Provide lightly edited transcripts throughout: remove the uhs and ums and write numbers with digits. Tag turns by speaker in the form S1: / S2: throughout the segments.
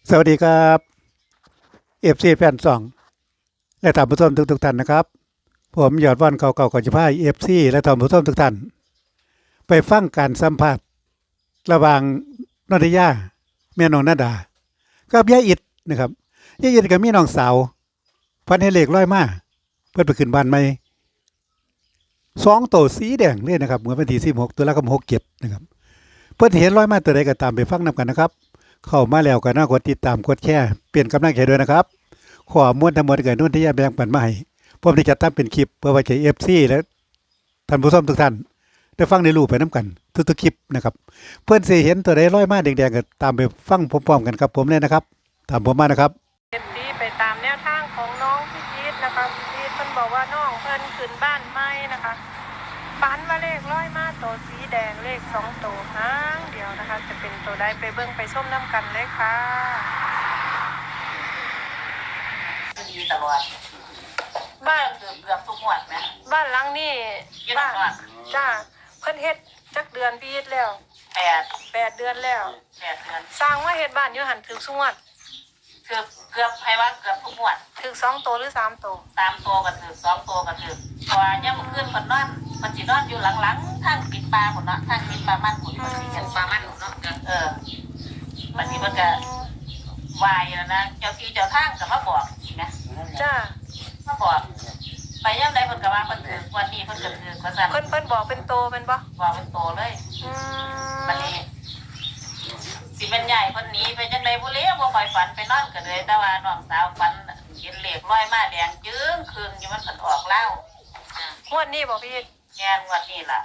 S1: สวัสดีครับเอฟซีแฟนซองและท่านผู้ชมทุกท่านนะครับผมยอดวันเก่าๆก่อนจะพาเอฟซีและท่านผู้ชมทุกท่านไปฟังการสัมภาษณ์ระหว่างนนทิยาแม่น้องนาดากับยายอิดนะครับยายอิดกับมีน้องสาวพันให้เหล็กร้อยมาเพื่อไปขึ้นบ้านใหม่2 ตัวสีแดงเลยนะครับเมื่อวันที่16 ตุลาคม67นะครับเพื่อนเห็นร้อยมาตัวใดก็ตามไปฟังนำกันนะครับเข้ามาแล้วก็น่ากดติดตามกดแชร์เปลี่ยนกำลังใจด้วยนะครับขอมวลทั้งหมดเกิดนุ่นที่ยาแบ่งปันมาให้ผมได้จัดทำเป็นคลิปเพื่อไว้ใช้FCและท่านผู้ชมทุกท่านได้ฟังในรูปไปน้ำกันทุกๆคลิปนะครับเพื่อนสิเห็นตัวใดร้อยมาแดงๆก็ตามไปฟังพร้อมๆกันครับผมเลยนะครับตามผมมานะครับ
S2: เอฟซีไปตามแนวทางของน้องพี่พีทนะคะพี่พีทเพิ่นบอกว่าน้องเพิ่นขึ้นบ้านใหม่นะคะฝันว่าเลขร้อยมาตัวสีแดงเลข2 ตัวหางเดียวนะคะจะเป็นตัวใดไปเบิ่งไปชมน้ำกันเลยค่ะ
S3: ดีตลอดบ้านเกือบทุกงวดนะ
S2: บ้านหลังนี้
S3: บ้าน
S2: จ้าเพิ่นเฮ็ดจักเดือนพี่พีทแล้ว8 เดือนแล้ว
S3: 8 เดือน
S2: สร้างว่าเฮ็ดบ้านอยู่หันถึงสงวด
S3: เกือบให้ว่าเกือบทุกงวด
S2: ถึง2 ตัวหรือ3 ตัว
S3: 3 ตัวก็ถือ2 ตัวก็ถือเพราะว่าย่ำขึ้นคนนอนมันสินอนอยู่หลังๆทางปิดปลาคนเนาะทางปิดปลามันคนมันสิเป็นปลามันเนาะมันสิมันก็วายแล้วนะเจ้าที่เจ้าทางก็มาบอกนะ
S2: จ้า
S3: มาบอกไปย่ำใดเพิ่นก็ว่าเพิ่นถือวันนี้เพิ่นก็ถือว่าซั่น
S2: เพิ่นบอกเป็นโตเป็นบ่
S3: บอกเป็นโตเลยมันนี่สิเป็นใหญ่คนนี้ไปจังไดบ่เลี้ยบ่ค่อยฝันไปนอนก็เลยแต่ว่าน้องสาวฝันเห็นเลขร้อยมาแดงจึ้งคืนอยู่มันเพิ่นออกแล้ว
S2: งวดนี้บ่พี่
S3: แง่งวดนี้ล่ะ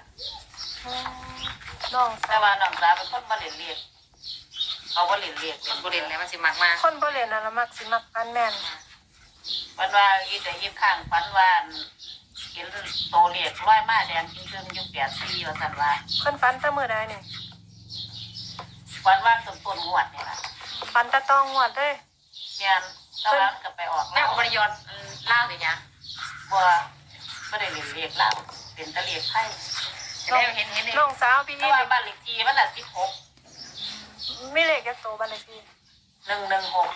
S2: น้อง
S3: แต่ว่าน้องสาวเป็นคนบ่เล่นเลขเขาบ่เล่นเลขเป็นบ่เล่นแล้วมันสิมักมา
S2: คนบ่เล่นน่ะละมักสิมักกันแม่น
S3: ฝันว่าอีแต่อีข้างฝันว่าเห็นโตเลขร้อยมาแดงจึ้งอยู่84ว่าซั่นว่า
S2: เพิ่นฝันแต่มื้อใดนี่
S3: ฝันว่าต้นงวดนี่ล่ะ
S2: ฝันตะตองงวดเด้
S3: แม่นแต่ว่ามันก็ไปออก
S4: แล้วบ่ได้ยอดลาวนี่หยัง
S3: บ่ได้เล่นเลขแล้วเป็นตะเลขไทย
S4: แล้วเห็น
S2: น้องสาวพี่
S3: นี่บ้านเลขที่มันน่ะ16
S2: มีเลขจักโตบ้านเลขที่
S3: 116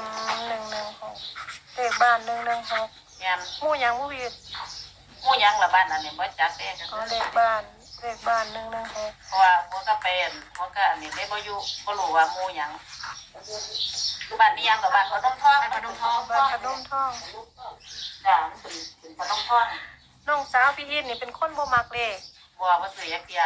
S2: 116เลขบ้าน116
S3: แม่น
S2: หมู่หยังหมู่พี่
S3: หมู่หยังล่ะบ้านอันนี้บ่จักเด้
S2: อ๋อเลขบ้าน116
S3: เพราะว่าหัวก็เป็นหัวก็อันนี้ได้บ่อยู่บ่รู้ว่าหมู่หยังคือบ้านนี้ยังกับบ้านพนมทอง
S2: บ้านพนมทอง
S3: จ้ะมันเป็นพนมทอง
S2: น้องสาวพี่นี่เป็นคนบ่มักเลข
S3: บ่ซื้อจักเที่ย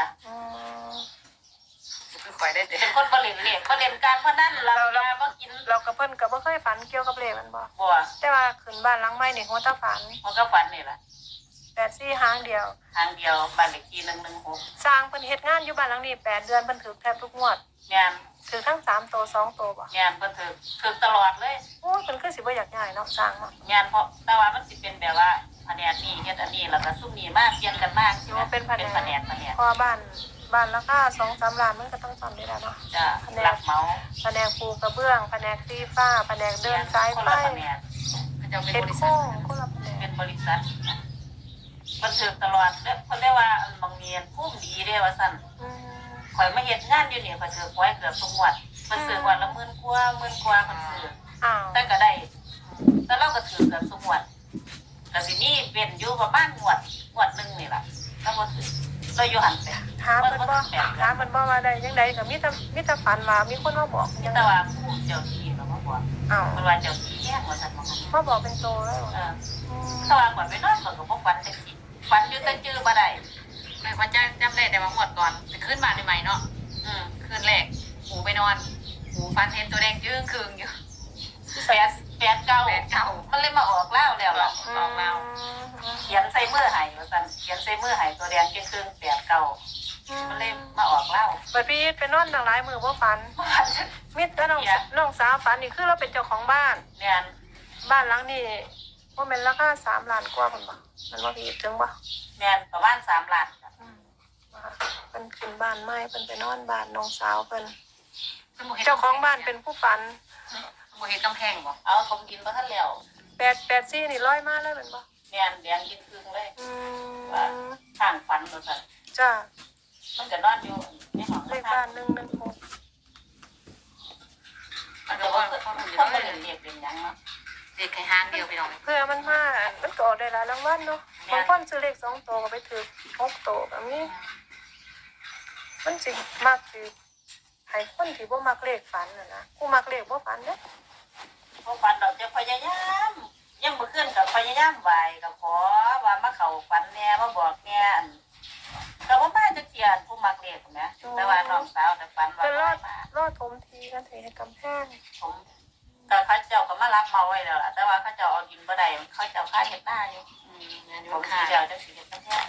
S4: คือข่อยได้
S3: เป็นคนบ่เล่นเลขบ่เล่นการพนันเราบ่กิน
S2: เรากับเพิ่นก็บ่เคยฝันเกี่ยวกับเลขมันบ่แต่ว่าขึ้นบ้านหลังใหม่นี่หัวตาฝัน
S3: มันก็ฝันนี่ล่ะ
S2: 84หางเดียว
S3: บ้านเลขที่116
S2: สร้างเพิ่นเฮ็ดงานอยู่บ้านหลังนี้8 เดือนเพิ่นถูกแทบทุกงวด
S3: แม่น
S2: ถือทั้ง3 ตัว2 ตัวบ่
S3: แม่นเพิ่นถือตลอดเลย
S2: โอ้เพิ่นคือสิบ่อยากย้ายเนาะสร้างเนาะ
S3: แม่นเพราะแต่ว่ามันสิเป็นแบบว่าแผนกนี้เฮ็ดอันนี้แล้วก็ซุ่มนี้มาเปลี่ยนกันมา
S2: สิว่าเป็นแผนกพอบ้านราคา 2-3 ล้านมันก็ต้องซ่อมได้แล้วเนาะ
S3: จ้ะรับเหมา
S2: แผนกปูกระเบื้องแผนกตีฟ้าแผนกเดินสายไฟ
S3: เป็นบริษัทเป็นบริษัทมันถือตลอดแล้วเพิ่นได้ว่าบางเนียนพุ่มดีเด้ว่าซั่นข่อยมาเฮ็ดงานอยู่นี่ข่อยถือไว้เกือบทุกงวดเพิ่นซื้อวันละ10,000 กว่าเพิ่นซื้อแต่ก็ได้แต่เราก็ถือเกือบทุกงวดก็สิมีเป็นอยู่ประมาณงวดนึงนี่ล่ะแล้วบ่ถือเราอยู่หันไป
S2: ถามเพิ่นบ่ว่าได้จังได๋ก็มีแต่ฝันว่ามีคนมาบอก
S3: จังแต่ว่าผู้เจ้าที่ก็มาบอกเพิ่นว่าเจ้าที่แยกว่าซั่น
S2: มาบอกเป็นโตแล้ว
S3: ถ้าว่าก่อนไปนอนก็บ่ฝันจังซี่ฝันอยู่แต่จื้อบ่ได้
S4: ไม่ว่าจะจำได้แต่ว่าหมดก่อนจะขึ้นบ้านใหม่เนาะคืนแรกหูไปนอนหูฟันเห็นตัวแดงจึ้งคืงอยู่
S3: 8 9มันเลยมาออกแล้วล่ะออกแล้วเขียนใส่มือให้ว่าซั่นเขียนใส่มือให้ตัวแดงจึ้งคืง8 9มันเลยมาออกแล้ว
S2: บัดพี่ไปนอนตั้งหลายมื้อบ่ฝันมิตรน้องสาวฝันนี่คือเราเป็นเจ้าของบ้าน
S3: แม่น
S2: บ้านหลังนี้บ่แม่นราคา3 ล้านกว่าพุ่นบ่มันบ่พี่ถึงบ่
S3: แม่นประมาณ3 ล้าน
S2: เพิ่นขึ้นบ้านใหม่เพิ่นไปนอนบ้านน้องสาวเพิ่นเจ้าของบ้านเป็นผู้ฝัน
S4: บ่เฮ็ดกำแพงบ่
S3: เอาถมดินบ่ทันแล้ว
S2: 84นี่ร้อยมาเลยแม่นบ่
S3: แม่นแดงยิ่งครึ่งเลยว่าทางฝันว่าซั่น
S2: จ้า
S3: มันก็นอนอยู่ในห้อง
S2: เลขบ้าน116
S4: มันก็บ่
S3: เป็นหยังเนาะ
S4: เด็กแค่ห้างเดียวพี่น้อง
S2: เพื่อมันมามันก็ออกได้หลายรางวัลเนาะบางคนซื้อเลข2ตัวก็ไปถือ6ตัวแบบนี้มันสิมักสิให้คนที่บ่มักเลขฝันน่ะนะกูมักเลขบ่ฝันเด้อ
S3: พวกฝันดอกจะพยายามยังบ่ขึ้นกับพยายามไหวกับขอว่ามาเข้าฝันแน่มาบอกแน่อันก็บ่มาจักเที่ยผู้มักเลขแหมแต่ว่าน้องสาวแต่ฝันว่า
S2: จะรอด
S3: มาร
S2: อดถมทีกันเทให้กำแพง
S3: ผมก็เขาเจ้าก็มารับมาไว้แล้วล่ะแต่ว่าเขาเจ้าเอาดินบ่ได้เขาเจ้าค่าเฮ็ดหน้าอยู่
S4: งานอ
S3: ผ
S4: ยู่
S3: มสิ
S4: ค่ะ
S3: เจ้าจังสิเฮ็ดจังแท้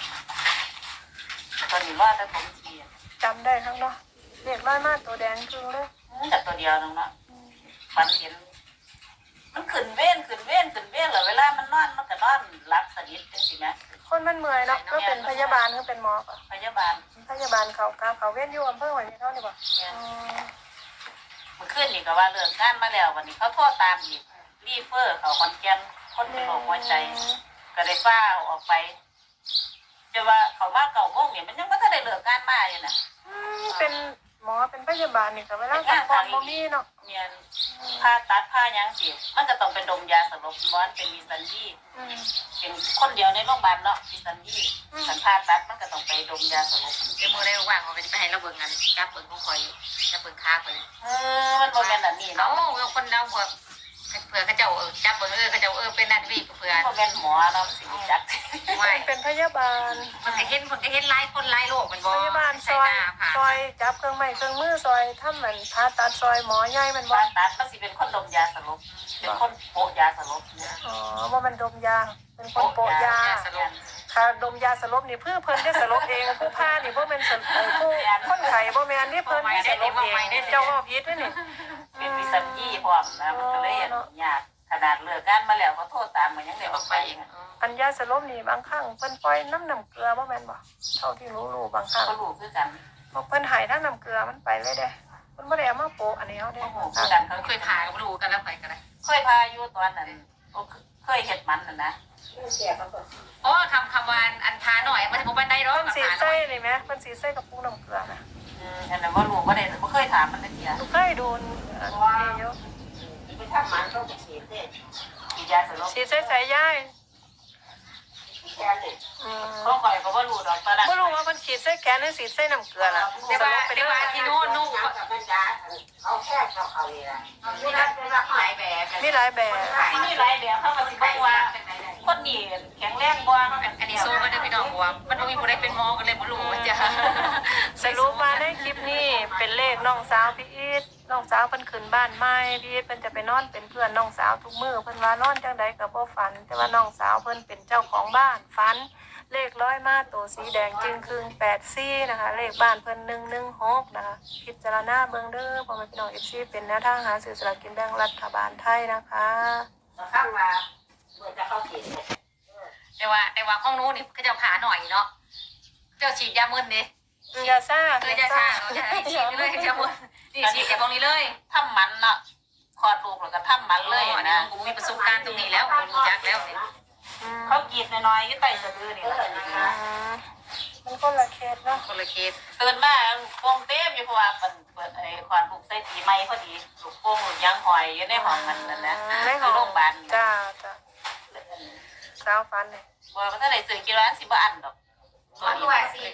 S3: ตอนนี้รอแต่ผมสิ
S2: จำได้ทั้งเนาะเลขร้อยมาตัวแดงครึ่งเลย
S3: แต่ตัวเดียวนึงเนาะฝันเห็นมันขึ้นเว้นแล้วเวลามันนอนมันก็นอนหลับสนิทจังซี่แหม
S2: คนมันเมื่อยเนาะก็เป็นพยาบาลก็เป็นหมอป่ะ
S3: พยาบาล
S2: พยาบาลเขาเว้นอยู่อำเภอหอยเท่านี่ป่ะ
S3: เนี่ยเมื่อคืนนี่ก็ว่าเลิกงานมาแล้ววันนี้เขาโทรตามอีกรีเฟอร์เขาขอนแก่นคนเป็นโรคหัวใจก็ได้ฟ้าออกไปจะว่าเขามาเก่าโมงเนี่ยมันยังไม่ทันได้เลิกงานมาอยู่นะ
S2: เป็นหมอเป็นพยาบาลนี่ก็เวลาพักผ่อนบ่มีเนาะ
S3: เนี่ยผ่าตัดผ่ายังสิมันก็ต้องเป็นดมยาสลบม้อนเป็นมีสัญญีเป็นคนเดียวในโรงพยาบาลเนาะมีสัญญีสันผ่าตัดมันก็ต้องไปดมยาสลบ
S4: เดี๋ยวมือได้ว่างเขาไปให้เราเบิ่งกันจับเบิ่งของคอยจับเบิ่งค้าคอย
S3: มันโมเมนต์แบบนี้
S4: เนาะ
S3: เนาะ
S4: คนเราเผื่อเขาเจ้าจับเบิ่งเขาเจ้าเป็นนั่นพี่เผื่อ
S3: โมเมนต์หมอเนาะสิจัก
S4: ไม่
S2: เป็นพยาบาล
S4: มันก็เห็นหลายคนหลายโรคมันบ่
S2: พยาบาลซอยซอยจับเครื่องไม้เครื่องมือซอยทำเหมือนผ่าตัดซอยหมอใหญ่มันบ่
S3: ผ่าตัดมันสิเป็นคนดมยาสลบเป็นคนโปะยาสลบเนี่ย
S2: อ๋อว่ามันดมยาเป็นคนโปะยา
S4: สลบ
S2: ค่ะดมยาสลบนี่เพื่อเพิ่นได้สลบเองผู้พานี่บ่แม่นผู้คนไข้บ่แม่นนี่เพิ่นได้สลบเองเจ้าว่าผิดเด้อนี่
S3: เป็นวิสัญญีพร้อมนะมันก็เลยยากขนาดเลิกงานมาแล้วเขาโทษตามมันยังได้ออกไปอีก
S2: อันยาสลบนี่บางครั้งเพิ่นปล่อยน้ำเกลือบ่แม่นบ่เท่าที่รู้บางครั้ง
S3: เขารู้คือกัน
S2: พวกเพิ่นใหายทั้งน้ำเกลือมันไปเลยเด้เพิ่นบ่ได้เอามาโปะอันนี้เฮาเด้
S3: เขารู้คือกันเขา
S4: เคยถ่ายก็รู้กันแล้วไปกันเลย
S3: เคยพาอยู่ตอนนั้นเคยเห็ดมันนะ
S4: อ๋อคำวานอันทาหน่อยมันจะบ่ได้หรอก
S2: เพิ่นสีใส่นี่แหมเพิ่นสีใส่กับปุกน้ำเกลือนะ
S3: อันนั้นว่ารู้ว่าได้ไม่เคยถามมันเลยที
S2: ลูกเคยโดนอันนี้อยู่
S3: ไปทำมันต้องไปฉีดเนี่ยฉีดยาสลบ
S2: สีใส่ใส่ยาย
S3: แค่นี้เขาคอยเขาว่ารู้ดอกตอนนั้น
S2: บ่รู้ว่ามันฉีดใส่แขนหรือฉีดใส่น้ำเกลือล่ะ
S4: แต่ว่าที่โน่น
S3: เขาแค่เขาเลยนะมีหลายแบบ
S2: มีหลายแบบ
S3: มีหลายแบบเขาก็สิบอกว่าคนนี้แข็งแรงกว่า
S4: อันนี้โซ่ก็ได้พี่น้องว่ามันมีผู้ใดเป็นหมอกันเลยบ่รู้ว่าจะ
S2: สรุปมาในคลิปนี้เป็นเลขน้องสาวพี่อีทน้องสาวเพิ่นขึ้นบ้านใหม่พี่อีทเพิ่นจะไปนอนเป็นเพื่อนน้องสาวทุกมื้อเพิ่นว่านอนจังใดก็บ่ฝัน แต่ว่าน้องสาวเพิ่นเป็นเจ้าของบ้านฝันเลขร้อยมาตัวสีแดงจึงครึ่ง84นะคะเลขบ้านเพิ่น116นะคะพิจารณาเบิ่งเด้อพ่อแม่พี่น้อง FC เป็นแนวทางหาซื้อสลากกินแบ่งรัฐบาลไทยนะคะ
S3: ข้างมาเมื่อจะเข้าฉีด
S4: แต่ว่าห้องนู้นนี่เขาจะผ่าหน่อยเนาะเจ้าฉีดยามึนดิ
S2: ยาซ่า
S4: เออยาชาเราจะฉีดเลยยามึนนี่ฉีดจากตรงนี้เลย
S3: ทำมันเนาะคลอดลูกแล้วก็ทำมันเลย
S4: อันนี้
S3: นะ
S4: กูมีประสบการณ์ตรงนี้แล้วรู้จักแล้ว
S3: เขากรีดน้อยๆอยู่ใต้สะดือนี่แหละ
S2: มันคนละเคสเนาะ
S4: คนละเคส
S3: ตื่นมาโป่งเต็มอยู่เพราะว่าเปิดไอ้คลอดลูกใส่ปีใหม่พอดีลูกโป่งลูกยังหอยอยู่ในห้องมันนั่นนะ
S2: ในห้
S3: คือ อง โรงพยาบาล
S2: จ้าสาวฟันเนี่ย
S3: ว่ามันถ้าไหนซื้อกิโลละ10 บาทดอก
S4: มันว่า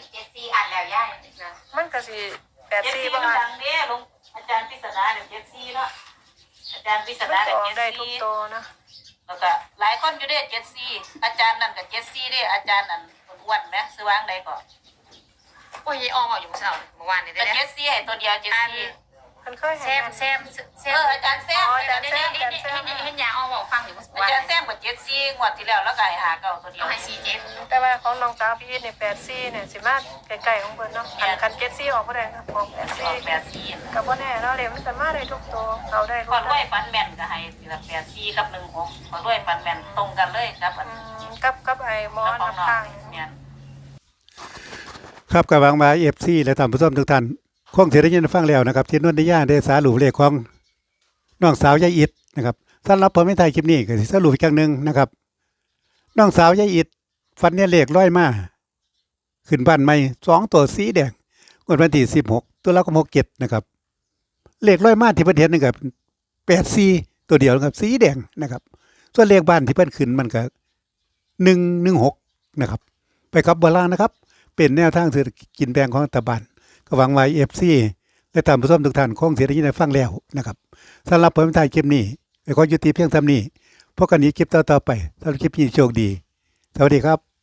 S4: 4อันแล้วย่าย
S2: มันก็สิ84
S3: 74
S2: ประ
S3: มัน
S2: มาณ
S3: ดังเด้ลุงอาจารย์ปริศนาเดี๋ยว74เนาะอาจารย์ปริศ
S2: มัน
S3: นา
S2: ก็
S3: เดี๋ยว
S2: ออกได้ทุก
S3: 74
S2: ตัวนะ
S3: แล้วก็หลายคนอยู่เด้74อาจารย์นั่นก็74เด้อาจารย์นั่นอ้วนๆแม่ซื้อวางใดก่อน
S4: โอ้ยออมอยู่เมื่อวานนี่
S3: แต่
S4: ได้
S3: 74ให้ตัวเดียว74
S2: มันเคย
S4: แซ
S2: เห็น
S4: ม
S3: อาจารย์แซม
S2: อาจารย์แซม
S4: เห็นยาออมบอกฟังอยู่เมื่อ
S3: อา
S4: วาน
S3: จารย์แซมกับ74งวดที่แล้วแล้วก็ให้หาเก่าตัวเดีย
S4: เอา
S3: ว
S4: ให้47
S2: แต่ว่าของน้องสาวพี่เนี่ย84เนี่ยสิมาใกล้ๆของเพิ่นเนาะคัน74ออกบ่ได้ครับออก
S3: ออก
S2: 84
S3: 84
S2: ก็บ่แน่เนาะเลยมันก็มาได้ทุกตัวเขาได้ทุ
S3: พอก ด้วยฟันแม่นก็ให้ทีละ84กับ16พอด้วยฟันแม่นตรงกันเลยครับอัน
S2: กับไอ้หมอ
S3: ของ
S2: น้ำ
S3: น้อง
S2: ข้าง
S3: เนี่ย
S1: ครับกับวางมาFC และท่านผู้ชมทุกท่านคงสิได้ยินฟังแล้วนะครับที่นวลนิยาได้สารุปเลขของน้องสาวยายอิดนะครับสำหรับผมในไทยคลิปนี้ก็สิสรุปอีกครั้งหนึงนะครับน้องสาวยายอิดฟันเนี่ยเลขร้อยมาขึ้นบ้านใหม่2ตัวสีแดงงวดวันที่16ตุลาคม67นะครับเลขร้อยมาที่เพิ่นเห็นนี่ก็84 ตัวเดียวนะครับสีแดงนะครับส่วนเลขบ้านที่เพิ่นขึ้นมันก็116นะครับไปครับบ่ล่างนะครับเป็นแนวทางเศรษฐกิจแบ่งของรัฐบาลก็หวังไว้ FC และท่านผู้ชมทุกท่านคงสิได้ยินได้ฟังแล้วนะครับสำหรับผมท้ายคลิปนี้ขอยุติเพียงเท่านี้พบกันอีกคลิปต่อๆไปสำหรับคลิปนี้โชคดีสวัสดีครับ